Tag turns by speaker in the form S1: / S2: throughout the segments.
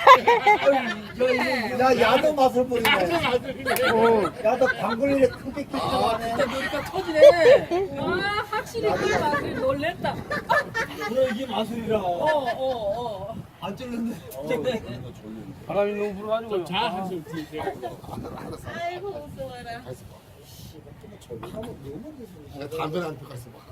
S1: 야, 야도 맛을 보이네. 야도 방글리에 크게 끼쳐가네.
S2: 그러니까 터지네.
S3: 와 확실히 그 맛을 놀랬다.
S1: 그래, 이게 마술이라.
S3: 어어어.
S1: 안 찔렀네.
S2: 바람이 너무 불어가지고.
S4: 자, 한숨 뒤에.
S3: 아이고 무서워라.
S5: 담배를 안 펴갔어 봐.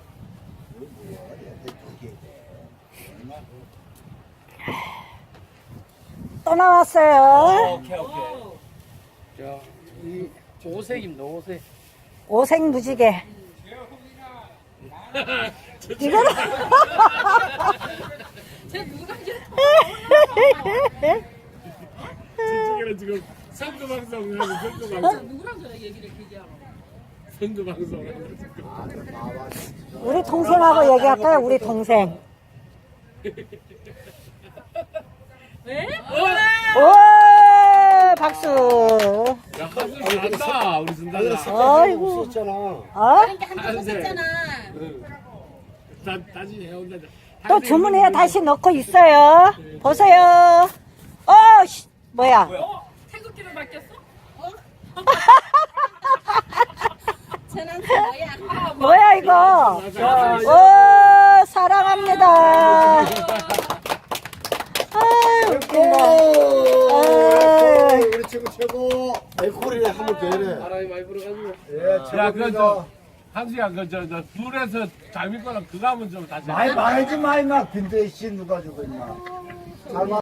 S6: 또 나왔어요.
S2: 오케이. 자, 이 오색입니다. 오색.
S6: 오색 무지개. 이거는
S3: 쟤 누가 이제
S4: 저쪽에는 지금 선거방송 하고 선거방송.
S3: 누구랑 저래 얘기를 길게 하고.
S4: 선거방송 하고 지금.
S6: 우리 동생하고 얘기할까요? 우리 동생.
S3: 왜?
S6: 오, 박수.
S4: 야, 한숨 잘한다, 우리 순다가.
S6: 아이고.
S1: 있었잖아.
S6: 어?
S3: 한번 썼잖아.
S4: 다시 해온다.
S6: 또 주문해야 다시 넣고 있어요. 보세요. 뭐야?
S3: 태극기로 바뀌었어?
S7: 쟤는 뭐야?
S6: 뭐야 이거? 오, 사랑합니다. 아유, 웃긴다. 아유.
S1: 우리 친구 최고.
S5: 에코리에 한번 더 해래.
S2: 바람이 많이 불어가지고.
S1: 예,
S4: 야,
S1: 최고입니다.
S4: 한수야, 둘에서 잠일 거랑 그거 하면 좀 다시.
S1: 많이 말하지 마, 임마. 빈대씨 누가 주고, 임마. 잘